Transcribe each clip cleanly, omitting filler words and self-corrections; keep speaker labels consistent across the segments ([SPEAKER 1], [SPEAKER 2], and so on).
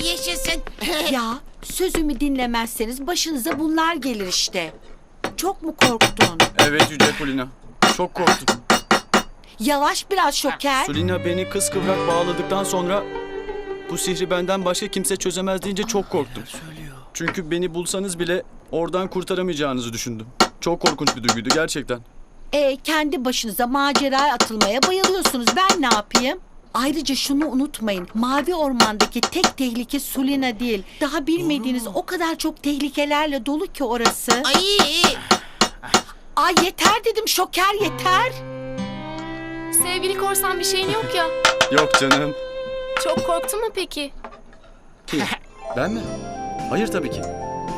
[SPEAKER 1] yaşasın.
[SPEAKER 2] Ya sözümü dinlemezseniz başınıza bunlar gelir işte. Çok mu korktun?
[SPEAKER 3] Evet Yüce Kulina. Çok korktum.
[SPEAKER 2] Yavaş biraz Şoker.
[SPEAKER 3] Sulina beni kıskıvrak bağladıktan sonra bu sihri benden başka kimse çözemez deyince çok korktum. Çünkü beni bulsanız bile oradan kurtaramayacağınızı düşündüm. Çok korkunç bir duyguydu gerçekten.
[SPEAKER 2] Kendi başınıza maceraya atılmaya bayılıyorsunuz. Ben ne yapayım? Ayrıca şunu unutmayın. Mavi Orman'daki tek tehlike Sulina değil. Daha bilmediğiniz o kadar çok tehlikelerle dolu ki orası. Ay yeter dedim Şoker, yeter.
[SPEAKER 4] Sevgili korsan bir şeyin yok ya.
[SPEAKER 3] Yok canım.
[SPEAKER 4] Çok korktun mu peki?
[SPEAKER 3] Kim? Ben mi? Hayır tabii ki.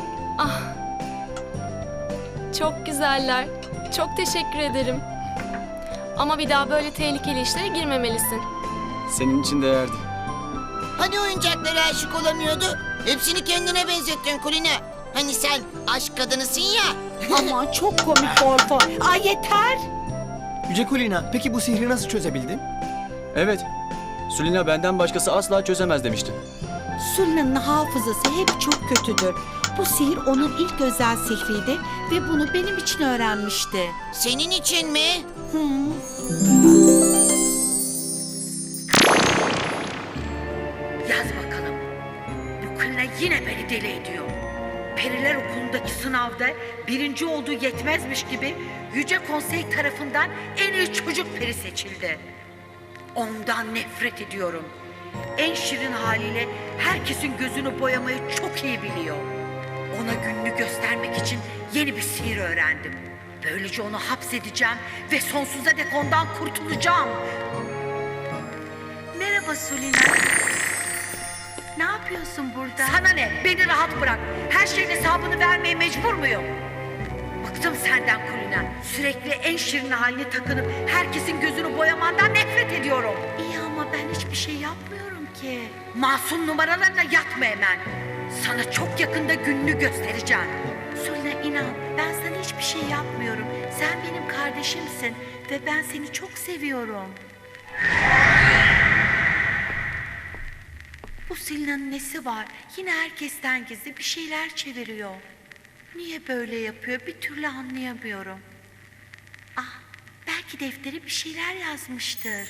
[SPEAKER 4] Çok güzeller. Çok teşekkür ederim. Ama bir daha böyle tehlikeli işlere girmemelisin.
[SPEAKER 3] Senin için değerdi.
[SPEAKER 1] Hani oyuncaklara aşık olamıyordu? Hepsini kendine benzettin Kulina. Hani sen aşk kadınısın ya.
[SPEAKER 2] Aman çok komik Gorfo. Ay yeter.
[SPEAKER 5] Yüce Kulina, peki bu sihri nasıl çözebildin?
[SPEAKER 3] Evet. Sulina benden başkası asla çözemez demişti.
[SPEAKER 2] Sulina'nın hafızası hep çok kötüdür. Bu sihir onun ilk özel sihriydi ve bunu benim için öğrenmişti.
[SPEAKER 1] Senin için mi?
[SPEAKER 6] Yaz bakalım. Bu Kulina yine beni deli ediyor. Periler Okulu'ndaki sınavda birinci olduğu yetmezmiş gibi Yüce Konsey tarafından en iyi çocuk peri seçildi. Ondan nefret ediyorum. En şirin haliyle herkesin gözünü boyamayı çok iyi biliyor. Ona gününü göstermek için yeni bir sihir öğrendim. Böylece onu hapsedeceğim ve sonsuza dek ondan kurtulacağım. Merhaba Sulina. Ne yapıyorsun burada? Sana ne? Beni rahat bırak. Her şeyin hesabını vermeye mecbur muyum? Bıktım senden Kulina. Sürekli en şirin haline takınıp herkesin gözünü boyamandan nefret ediyorum.
[SPEAKER 2] İyi ama ben hiçbir şey yapmıyorum ki.
[SPEAKER 6] Masum numaralarla yatma hemen. Sana çok yakında gününü göstereceğim.
[SPEAKER 2] Sulina inan, ben sana hiçbir şey yapmıyorum. Sen benim kardeşimsin ve ben seni çok seviyorum. Bu Sulina'nın nesi var? Yine herkesten gizli bir şeyler çeviriyor. Niye böyle yapıyor? Bir türlü anlayamıyorum. Belki deftere bir şeyler yazmıştır.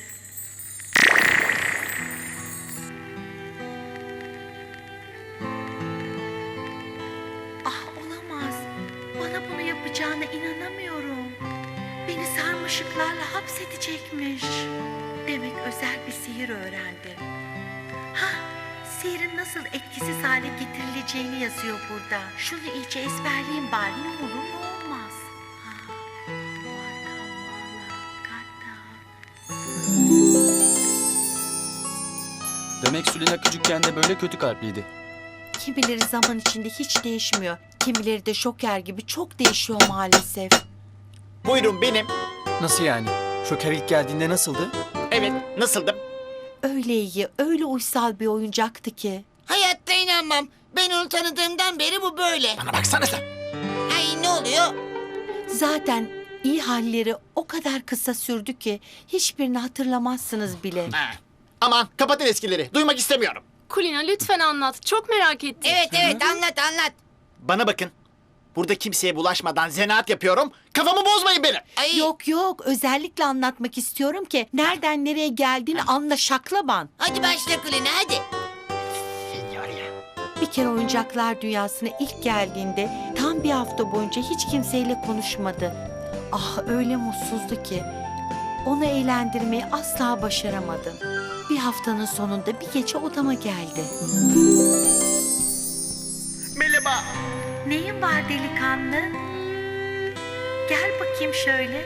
[SPEAKER 2] Olamaz. Bana bunu yapacağına inanamıyorum. Beni sarmaşıklarla hapsedecekmiş. Demek özel bir sihir öğrendi. Sihirin nasıl etkisiz hale getirileceğini yazıyor burada. Şunu iyice ezberleyeyim bari, ne olur ne olmaz.
[SPEAKER 3] Demek Sulina küçükken de böyle kötü kalpliydi.
[SPEAKER 2] Kimileri zaman içinde hiç değişmiyor. Kimileri de Şoker gibi çok değişiyor maalesef.
[SPEAKER 7] Buyurun benim.
[SPEAKER 5] Nasıl yani? Şoker ilk geldiğinde nasıldı?
[SPEAKER 7] Evet, nasıldım?
[SPEAKER 2] Öyle iyi, öyle uysal bir oyuncaktı ki.
[SPEAKER 1] Hayatta inanmam. Ben onu tanıdığımdan beri bu böyle.
[SPEAKER 7] Bana baksanıza.
[SPEAKER 1] Ay ne oluyor?
[SPEAKER 2] Zaten iyi halleri o kadar kısa sürdü ki hiçbirini hatırlamazsınız bile.
[SPEAKER 7] Aman kapatın eskileri. Duymak istemiyorum.
[SPEAKER 4] Kulina lütfen anlat. Çok merak ettim.
[SPEAKER 1] Evet anlat.
[SPEAKER 7] Bana bakın. Burada kimseye bulaşmadan zanaat yapıyorum. Kafamı bozmayın benim.
[SPEAKER 1] Ay,
[SPEAKER 2] Yok, özellikle anlatmak istiyorum ki nereden nereye geldiğini anla şaklaban.
[SPEAKER 1] Hadi başla Kulina hadi.
[SPEAKER 2] Bir kere oyuncaklar dünyasına ilk geldiğinde tam bir hafta boyunca hiç kimseyle konuşmadı. Öyle mutsuzdu ki. Onu eğlendirmeyi asla başaramadım. Bir haftanın sonunda bir gece odama geldi.
[SPEAKER 7] Merhaba.
[SPEAKER 6] Neyin var delikanlı? Gel bakayım şöyle.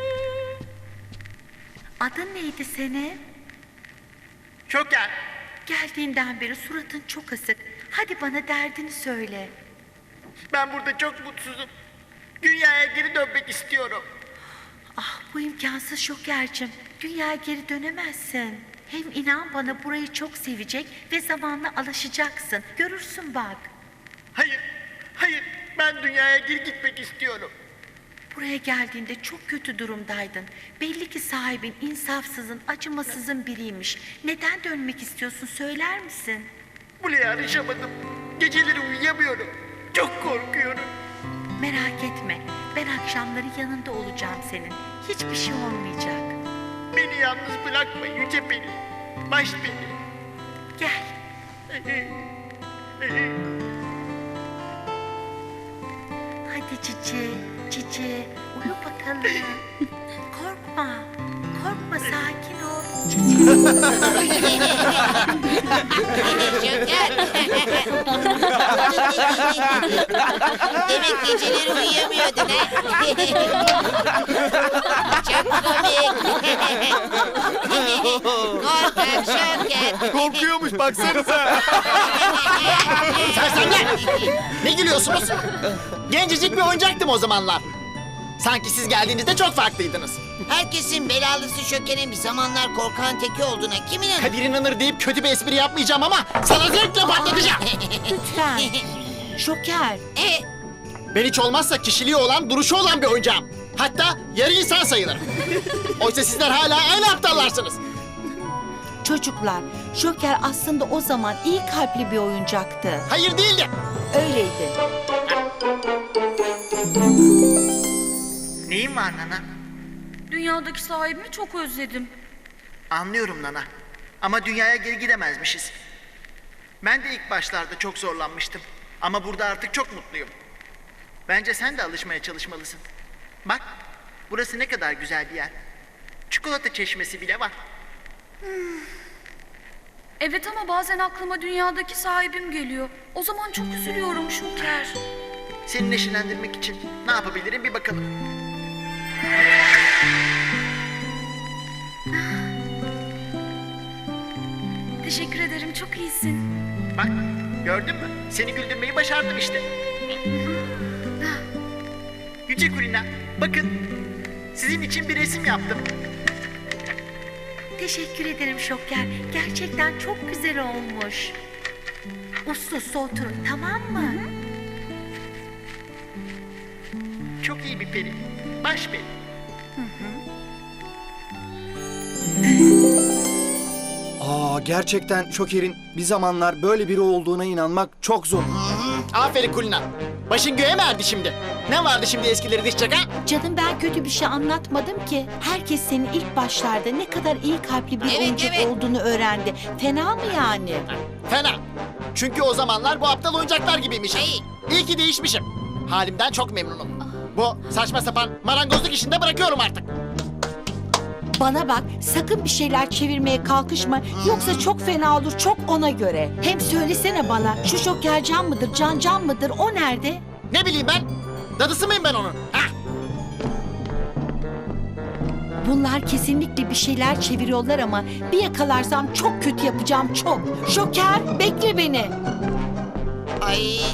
[SPEAKER 6] Adın neydi senin?
[SPEAKER 7] Şoker.
[SPEAKER 6] Geldiğinden beri suratın çok asık. Hadi bana derdini söyle.
[SPEAKER 7] Ben burada çok mutsuzum. Dünyaya geri dönmek istiyorum.
[SPEAKER 6] Bu imkansız Şoker'cim. Dünyaya geri dönemezsin. Hem inan bana burayı çok sevecek ve zamanla alışacaksın. Görürsün bak.
[SPEAKER 7] Hayır. Ben dünyaya geri gitmek istiyorum.
[SPEAKER 6] Buraya geldiğinde çok kötü durumdaydın. Belli ki sahibin insafsızın, acımasızın biriymiş. Neden dönmek istiyorsun söyler misin?
[SPEAKER 7] Buraya alışamadım. Geceleri uyuyamıyorum. Çok korkuyorum.
[SPEAKER 6] Merak etme. Ben akşamları yanında olacağım senin. Hiçbir şey olmayacak.
[SPEAKER 7] Beni yalnız bırakma Yüce Peri. Baş Peri.
[SPEAKER 6] Gel. Hadi Cici, Cici. Uyu bakalım. Korkma. Korkma, sakin ol.
[SPEAKER 1] Şoker. Demek geceleri uyuyamıyordun ha? Çok komik. Korkak Şoker.
[SPEAKER 7] Korkuyormuş baksanıza. Sersemler! Ne gülüyorsunuz? Gencecik bir oyuncaktım o zamanlar. Sanki siz geldiğinizde çok farklıydınız.
[SPEAKER 1] Herkesin belalısı Şoker'in bir zamanlar korkan teki olduğuna kim inanır?
[SPEAKER 7] Kadir inanır deyip kötü bir espri yapmayacağım ama sana zevkle patlatacağım.
[SPEAKER 2] Lütfen. Şoker.
[SPEAKER 7] Ben hiç olmazsa kişiliği olan, duruşu olan bir oyuncağım. Hatta yarı insan sayılırım. Oysa sizler hala aynı aptallarsınız.
[SPEAKER 2] Çocuklar, Şoker aslında o zaman iyi kalpli bir oyuncaktı.
[SPEAKER 7] Hayır değildi.
[SPEAKER 2] Öyleydi.
[SPEAKER 7] Neyin var Nana?
[SPEAKER 6] Dünyadaki sahibimi çok özledim.
[SPEAKER 7] Anlıyorum Nana. Ama dünyaya geri gidemezmişiz. Ben de ilk başlarda çok zorlanmıştım. Ama burada artık çok mutluyum. Bence sen de alışmaya çalışmalısın. Bak, burası ne kadar güzel bir yer. Çikolata çeşmesi bile var.
[SPEAKER 8] Evet ama bazen aklıma dünyadaki sahibim geliyor. O zaman çok üzülüyorum Şoker.
[SPEAKER 7] Seni neşelendirmek için ne yapabilirim bir bakalım.
[SPEAKER 8] Teşekkür ederim, çok iyisin.
[SPEAKER 7] Bak, gördün mü? Seni güldürmeyi başardım işte. Yüce Kulina, bakın. Sizin için bir resim yaptım.
[SPEAKER 6] Teşekkür ederim Şoker. Gerçekten çok güzel olmuş. Uslu uslu oturun, tamam mı?
[SPEAKER 7] Çok iyi bir peri. Baş peri.
[SPEAKER 5] Gerçekten Şoker'in bir zamanlar böyle biri olduğuna inanmak çok zor.
[SPEAKER 7] Aferin Kulina. Başın göğe mi erdi şimdi? Ne vardı şimdi eskileri dişecek ha?
[SPEAKER 2] Canım ben kötü bir şey anlatmadım ki. Herkes senin ilk başlarda ne kadar iyi kalpli bir
[SPEAKER 1] Evet,
[SPEAKER 2] oyuncak
[SPEAKER 1] evet.
[SPEAKER 2] olduğunu öğrendi. Fena mı yani?
[SPEAKER 7] Fena. Çünkü o zamanlar bu aptal oyuncaklar gibiymişim.
[SPEAKER 1] Ay.
[SPEAKER 7] İyi ki değişmişim. Halimden çok memnunum. Bu saçma sapan marangozluk işini de bırakıyorum artık.
[SPEAKER 2] Bana bak, sakın bir şeyler çevirmeye kalkışma. Yoksa çok fena olur, çok ona göre. Hem söylesene bana, şu Şoker Can mıdır, Can mıdır, o nerede?
[SPEAKER 7] Ne bileyim ben? Dadısı mıyım ben onun? Hah.
[SPEAKER 2] Bunlar kesinlikle bir şeyler çeviriyorlar ama bir yakalarsam çok kötü yapacağım, çok. Şoker, bekle beni.
[SPEAKER 1] Ay